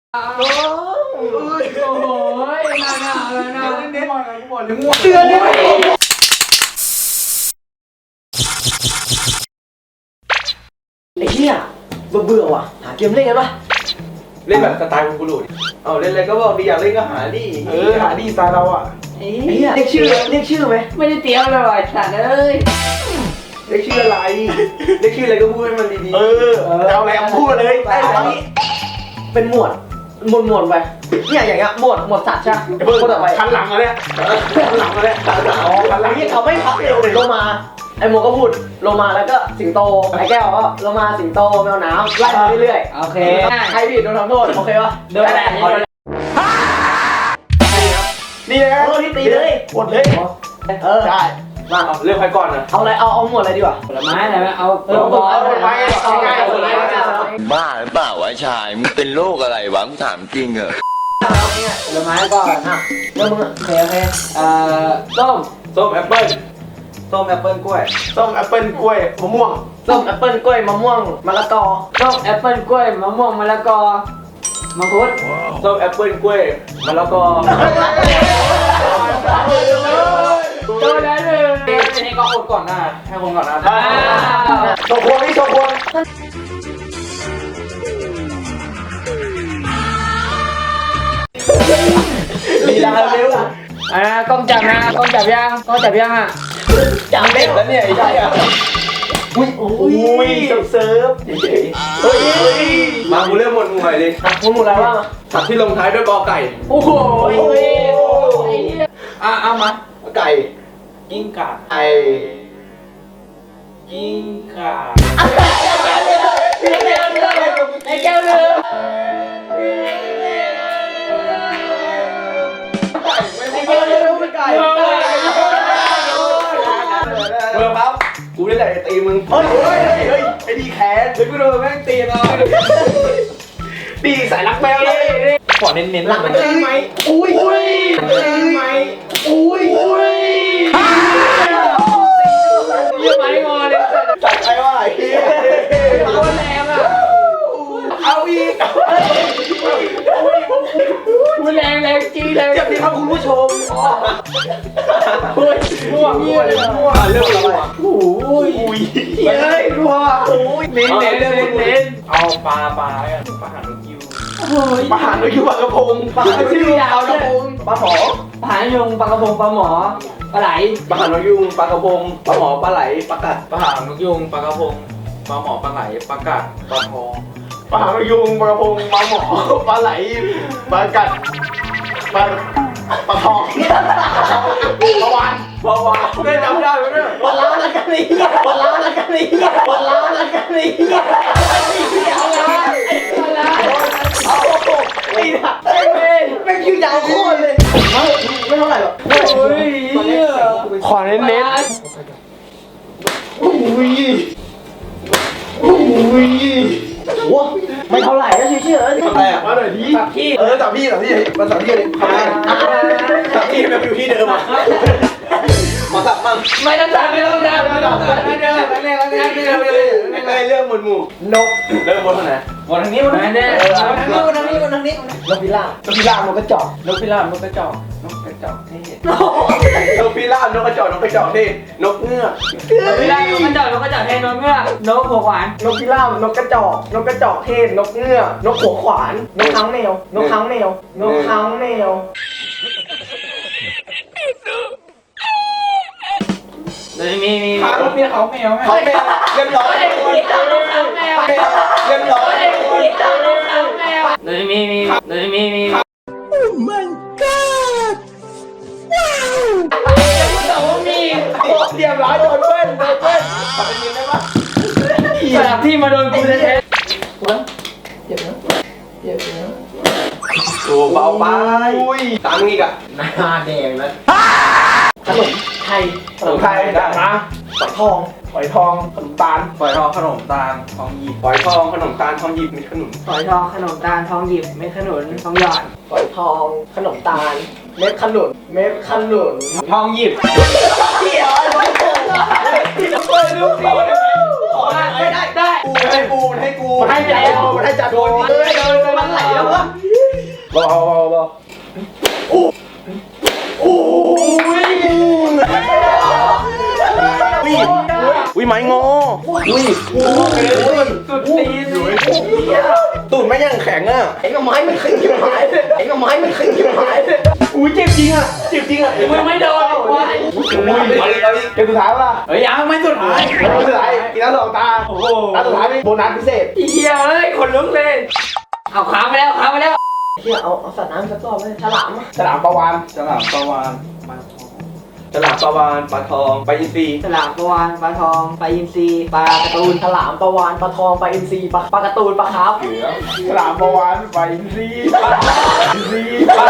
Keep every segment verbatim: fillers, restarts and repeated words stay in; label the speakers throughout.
Speaker 1: โอ้ยโอ้ยน่าหนาเลยนะเน้นๆกูบอกเลยมั่ว
Speaker 2: เตือนเลยไอ้เหี้ยเบื่อเบื่อว่ะหาเกมเล่นกันปะ
Speaker 3: เล่นแบบสไตล์คุณกูรูดิเอาเล่นอะไรก็บอกดีอยากเล่นก็หาดิเออหาดิสไตล์เราอ่ะ
Speaker 2: ไอ้เหี้ยเรียกชื่อเรียกชื่อไหม
Speaker 1: ไม่ได้เตรียมเลยว่ะสัตว์เอ้ย
Speaker 3: เรียกชื่ออะไรเรียกชื่ออะไรก็พูดให้มันดีๆเออเอาอะไรเอาพูดมาเลย
Speaker 2: ไอ้ตอนนี้เป็นหมวดหมวดหมวดไปเนี่ยอย่างเงี้ยหมวดหมวดสัตว์ใช่ไหมหมวดต่อไป
Speaker 3: คันหลังมาเนี่ยคันหลังมาเนี่ยอ๋อคันหลั
Speaker 2: ไอ้
Speaker 3: ง
Speaker 2: เหี้ยเขาไม่พักเลยโลมาไอ้โมก็พูดโลมาแล้วก็สิงโตไอ้แก้วก็โลมาสิงโตแมวน้ำไล่มาเรื่อย
Speaker 1: โอเค
Speaker 2: ๆใครผิดโดนทำโทษโอเคปะ
Speaker 1: โดนอะไร
Speaker 3: นี่นะ
Speaker 2: เออที่ตีเลย
Speaker 3: หมดเลย
Speaker 2: เออ
Speaker 3: ได้
Speaker 2: มา
Speaker 3: เลือกใครก่อนนะ
Speaker 2: เอาอะไรเอาเอาหมวดอะไรดีกว่า
Speaker 1: ผลไม้อะไรไหมเอา
Speaker 2: เออเอาหมวดอะไรไปง่ายๆ
Speaker 4: บ้าหรือเปล่าวะชาย มึงเป็นโรคอะไรวะมึงถามจริงเหรอ
Speaker 1: ผลไม้ก่อน
Speaker 2: อ่ะแล้วมึงอ่ะโอเคโอเค
Speaker 1: เอ่อส้ม
Speaker 3: ส้มแอปเปิ้ลส้มแอปเปิ้ลกล้วยส้มแอปเปิ้ลกล้วยมะม่วง
Speaker 2: ส้มแอปเปิ้ลกล้วยมะม่วงมะละกอ
Speaker 1: ส้มแอปเปิ้ลกล้วยมะม่วงมะละกอมังคุด
Speaker 3: ส้มแอปเปิ้ลกล้วยมะละกอ
Speaker 1: โดนแล้วหนึ่ง
Speaker 3: อันนี้ก็คนก่อนหน้าให้คนก่อนหน้า
Speaker 1: อ้าว
Speaker 3: โชว์ควงนี่โชว์ควงลีลาเร็ว
Speaker 1: อ่ากล้องจับนะกล้องจับยังกล้องจับยังอ่ะ
Speaker 2: จังเล็
Speaker 3: แล้วเนี่ยไอ้เหี้ย
Speaker 2: อุ้ยอุ้ย
Speaker 3: เซิร์ฟเฉยๆเฮ้ยมากูเริ่มหมดหมู่ใหม่เลย
Speaker 2: มึงหมดอะไรบ้าง
Speaker 3: สัตว์ที่ลงท้ายด้วยกอไก่
Speaker 1: โอ้โหไอ้เหี้ย
Speaker 3: อ่ะเอามาไก่
Speaker 1: กิ้งก่า
Speaker 3: ไก่
Speaker 1: กิ้งก่าไอ้แก้วเลย
Speaker 3: ไม่ใช่ไก่ไม่ใช่ไก่เบอร์ปั๊บกูนี่แหละจะตีมึงเฮ้ยเฮ้ยเฮ้ยไอ้ดีแขนเดี๋ยวกูโดนแม่งตีเราตีสายรักแมวเลยขอเน้นๆ
Speaker 2: หลังมันตีไหมอุ้ยอุ้ยตีไหมอุ้ยอุ้ย
Speaker 1: เยี่ยมไหมงอเลย
Speaker 3: จัดไปว่าไอ้เหี้ย
Speaker 1: โคตรแรงอ่ะ
Speaker 3: เอาอีก
Speaker 1: พูดแรงแรงจี้แรง
Speaker 3: เจ็บดีครับคุณผู้ชม
Speaker 1: เฮ้ยม่วงม่วงม่วง
Speaker 3: เรื่องอะไรวะ
Speaker 1: โอ้ย
Speaker 3: เฮ้ยรัวโอ้ย
Speaker 1: เน้นเน้นเน้นเน้น
Speaker 3: เอาปลาปลาแล้วกันปลาหางนกยูง
Speaker 1: โอ้ย
Speaker 3: ปลาหางนกยูงปลากระพงปลาหางนกยูง
Speaker 1: ยาวด้วย
Speaker 3: ปลาหมอ
Speaker 1: ผานยงปลากระพงปลาหมอปลาไหล
Speaker 3: ปลาหางนกยูงปลากระพงปลาหมอปลาไหลปลากัด
Speaker 5: ปลาหางนกยูงปลากระพงปลาหมอปลาไหลปลากัดปลาทอง
Speaker 3: ปลาหางนกยูงปลากระพงปลาหมอปลาไหลปลากัดปลาปลาทองปลาวานปลาวานได้จำได้ไหมเนี่ย
Speaker 2: ปลาล้าละกันนี่ปลาล้าละกันนี่ปลาล้าละกันนี่เอาละเอาละเอาไม่ได้แม่งยืดยาวโคตรเลยไม่ไม่เท่าไหร่หรอก
Speaker 1: โอ้ย
Speaker 3: ขอเน้นเน้น
Speaker 2: อุ้ยอุ้ยโอ้ไม่เท่าไหร่ก็เฉยๆ
Speaker 3: ทำอะไรอ่ะมาหน่อยดิ
Speaker 1: กับพี่
Speaker 3: เออจับพี่จับพี่มาจับพี่เลยทำไมจับพี่แบบอยู่ที่เดิมอ่ะมาจับมั่ง
Speaker 1: ไม่ต้องจับไม่ต้องจับไม่ต้องจับไม่ต้องจับไม่ต้องจับไม่ต้องจับไม่ต้องจับ
Speaker 3: ไม่เคยเรื่องหมวดหมู่
Speaker 2: นก
Speaker 3: เริ่มบนทางไหน
Speaker 1: วันทางนี้วันทางนี้วันทางนี้วันทางนี้วันทางนี้
Speaker 2: นกพิราบนกพิราบมันก็จอก
Speaker 1: นกพิราบนกกระจอกนกกระจอกเท่
Speaker 3: นกพิราบนกกระจอกนกกระจอกที่นกเงือก
Speaker 1: นกพิราบนกกระจอกนกกระจอกเท่นกเงือกนกหัวหวาน
Speaker 2: นกพิราบนกกระจอกนกกระจอกเทศนกเงือกนกหัวขวานนกค้างแมวนกค้างแมวนกค้างแมว
Speaker 1: เลยมีมี
Speaker 3: พาลูกเนี่ยเขาแมวเขาแมวเรียบร้อย
Speaker 1: นกค้างแมว
Speaker 3: เรียบร้อย
Speaker 1: เลยมีมีเลยมีมี
Speaker 3: เรียบร้อยโดนเพื่อนโดนเพื่อนขอเป็นยืนได้ปะ
Speaker 1: สลับที่มาโดนกูแท้
Speaker 2: เจ็บนะเจ็บนะ
Speaker 3: โอ้เบาไปตามอีกอ่ะ
Speaker 2: หน้าแดงแล้วขนมไทย
Speaker 3: ขนมไทยได้นะ
Speaker 2: ฝอยทอง
Speaker 3: ฝอยทองขนมตาล
Speaker 5: ฝอยทองขนมตาลทองหยิบ
Speaker 3: ฝอยทองขนมตาลทองหยิบมีขนุน
Speaker 1: ฝอยทองขนมตาลทองหยิบเม็ดขนุนทองหยอด
Speaker 2: ฝอยทองขนมตาลเม็ดขนุนเม็ดขนุน
Speaker 1: ทองหยิบ
Speaker 2: เดี๋ยวไอ้โง่
Speaker 3: เปิดดูสิ
Speaker 2: ขอไม่ได้ได้
Speaker 3: กูให้กูให้กู
Speaker 2: ให้แล้วให้จัดโดนเลยโดนมันไหลแล้ววะ
Speaker 3: เบาเบาเบาโอ้โอ้ยวิไม้งอวิสุดตีนตูดไม่ยังแข็งอ่ะ
Speaker 2: ไอ้กับไม้มันขึ้นอยู่ไม้ไอ้กับไม้มันขึ้นอยู่ไม้
Speaker 3: อุ้ยเจ็บจริงอ่ะเจ็บจริงอ่ะ
Speaker 1: มึงไม่โดนวาย
Speaker 3: เกมสุดท้ายป่ะ
Speaker 1: เฮ้ยยังไม่สุดท้าย
Speaker 3: เกมสุดท้ายกินแล้วสองตาโอ้โหตาสุดท้ายเป็นโบนัสพิเศษ
Speaker 1: เฮียเอ้ยคนลุกเลยเอาขาไปแล้วขาไปแล้ว
Speaker 2: เฮียเอาเอาสัตว์น้ำสักตัวเลยฉลาม
Speaker 3: ฉลามปลาวาน
Speaker 5: ฉลามปลาวานปลาทองฉลามปลาวานปลาทองปลาอินทรี
Speaker 2: ฉลามปลาวานปลาทองปลาอินทรีปลาการ์ตูนฉลามปลาวานปลาทองปลาอินทรีปลาปลาการ์ตูนปลาคาร์ฟ
Speaker 3: ฉลามปลาวานไปซีปลาซีปลา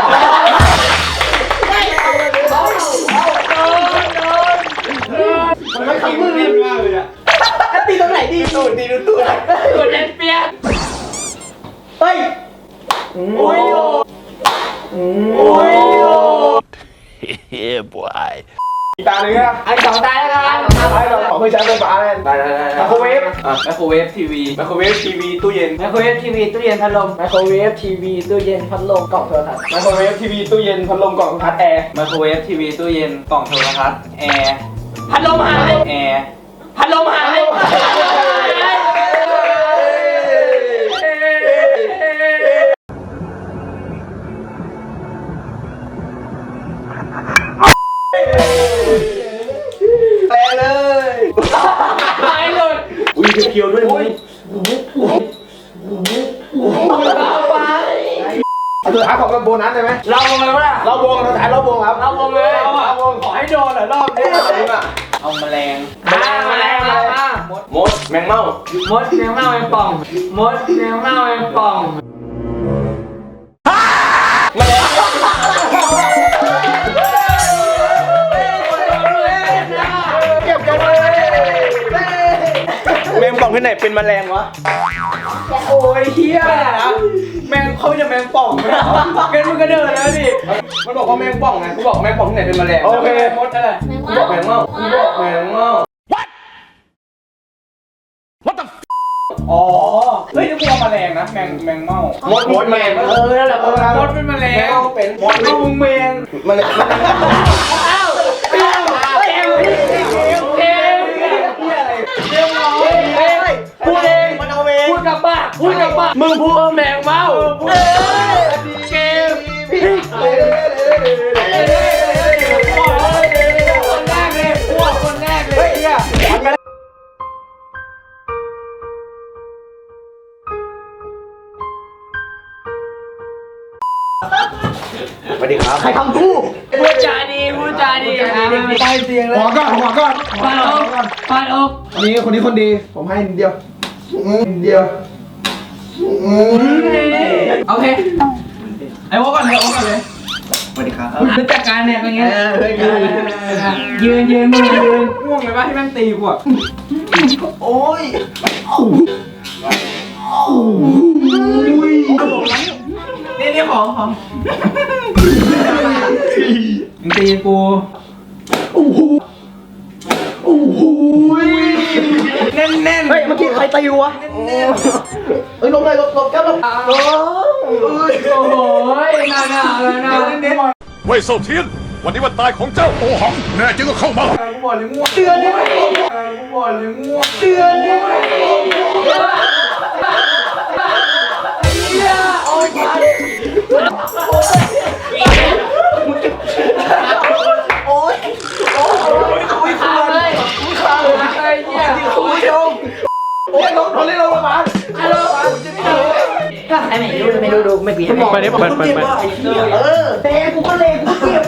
Speaker 2: มันไม่ทำมือ
Speaker 3: มากเลยอ่ะ
Speaker 2: ตีตรงไหนดี
Speaker 3: ตูดดีดูตูด
Speaker 1: ตัวเล่นเปียก
Speaker 2: เฮ้ย
Speaker 3: โอ้ยโอ้ยเฮ้ยบอยอีกตาหนึ่งนะ
Speaker 1: ไอ้สองตายแล้วกัน
Speaker 3: ตายเราขอเพื่อใช้ไฟฟ้าเลย
Speaker 5: ได้ได้ได้
Speaker 3: ไมโครเวฟ
Speaker 5: อ่ะไมโครเวฟทีวี
Speaker 3: ไมโครเวฟทีวีตู้เย็น
Speaker 1: ไมโครเวฟทีวีตู้เย็นพัดลม
Speaker 2: ไมโครเวฟทีวีตู้เย็นพัดลมกล่องโทรทัศน์
Speaker 3: ไมโครเวฟทีวีตู้เย็นพัดลมกล่องพัดแอร์
Speaker 5: ไมโครเวฟทีวีตู้เย็นกล่องโทรทัศน์แอร์
Speaker 1: พัดลมหาย
Speaker 5: แอร์
Speaker 1: พัดลมหาย
Speaker 3: แปลเลย
Speaker 1: หายหลุด
Speaker 3: อุ้ยเคียวๆด้วยมึง
Speaker 1: เอาไป
Speaker 3: เอาตัวท้ายของกับโบนัสได้ไหม
Speaker 1: เราลงเลยวะล่ะ
Speaker 3: เราวงเราท้ายเราวงครับ
Speaker 1: เราลงเลย
Speaker 3: เราวง
Speaker 1: ขอให้โดนเหรอรอบนี้
Speaker 5: เอาแมลง
Speaker 1: มามาแล้วมา
Speaker 3: มดแมงเม่าม
Speaker 1: ดแมวเม่าแมงป่องมดแมวเม่าแมงป่อง
Speaker 3: เก็บกันเลยแมงป่องที่ไหนเป็นแมลงวะ
Speaker 1: โอ้ยเฮียแมงเขาจะแมงป่องไหมกันมึงก็เดินแล้วดิ
Speaker 3: มันบอกว่าแมงป่องไงกูบอกแมงป่องที่ไหนเป็นแมลงโอเค
Speaker 1: มดอะไร
Speaker 3: กูบอกแมงเม่ากูบอกแมงเม่า
Speaker 5: อ๋อเฮ้ยนี่กูเอาแมลงนะแมงแมงเม่าม
Speaker 3: ดมดแมง
Speaker 1: เออนั่นแหละมดเป็นแมลง
Speaker 3: แมงเม่าเป็นมด
Speaker 1: เอามึงแมง
Speaker 3: แมลง
Speaker 1: อ้าวอ้าวเกมเกมเกมเกมเกมพูดเอง
Speaker 3: มันเอาเอง
Speaker 1: พูดกับปากพูดกับปากมึงพูดว่าแมงเม่าเกมคนแรกเลยพวกคนแรกเลยเนี่ย
Speaker 3: สวัสดีครับ
Speaker 2: ใครทำกู
Speaker 1: พูดจาดีพูดจาดีนะ
Speaker 3: ใต้เตียงเลยหัวก่อนหัวก่อน
Speaker 1: ปาดอกปาดอก
Speaker 3: คนนี้คนนี้คนดีผมให้นิดเดียวนิดเดียว
Speaker 1: โอเคไอ้วอก่อนเลยโอก่อนเลย
Speaker 3: สวัสดีครับ
Speaker 1: รู้จักการเนี่ยเป็นไงยืนยืนมึงยืนง่วงเลยป่ะที่แม่งตีกูอ่ะ
Speaker 3: โอ้ย
Speaker 1: นี่นี่ของของมึงตีกูแน่นแน่น
Speaker 2: เฮ้ยเมื่อกี้ใครตีวะเฮ้ยลงเลยลงลงแก้วลง
Speaker 1: โอ้โหน่าหนาวแล้วนะ
Speaker 6: เว่ยเซาเทียน วันนี้วันตายของเจ้าโอหัง แน่จริงก็เข้ามา
Speaker 3: กูบอกเลยง่วง
Speaker 2: เตือนเลย
Speaker 3: กูบอกเลยง่วง
Speaker 2: เตือนเลยโอ้ยโอ้ยโอ้ยโอ้ยขาเลย
Speaker 1: ข้าวไอ้เนี่ย
Speaker 3: คุณผู้ชมโอ้ยรถเขาเรียกรถมา
Speaker 1: ฮัลโหล
Speaker 2: ไอ้ไม่รู้ไม่รู้ดูไม่เปลี่ยน
Speaker 3: ไปดิไปไปไป
Speaker 2: เออเตะกูก็เลยกูเจ็บ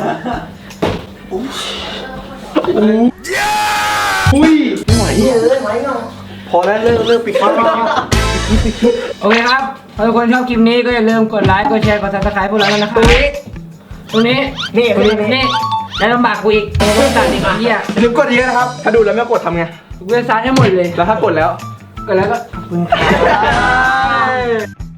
Speaker 3: อุ้ย
Speaker 2: เฮ้ยไหวเนาะ
Speaker 3: พอแล้วเลิกเลิกปิดคลิป
Speaker 1: โอเคครับถ้าทุกคนชอบคลิปนี้ก็อย่าลืมกดไลค์กดแชร์กดซับสไครป์พวกเราแล้วนะครับตรงนี้
Speaker 2: นี่
Speaker 1: ตรงนี้นี่แล้วลำบากกูอีกกูต้องตัดอีกไอ้เหี้ย
Speaker 3: ลืมกดเยอะนะครับ ถ้าดูแล้วไม่กดทำไง
Speaker 1: กูจะซัดให้หมดเลย
Speaker 3: แล้วถ้ากดแล้ว
Speaker 1: ก็แล้วก็ขอบคุณครับ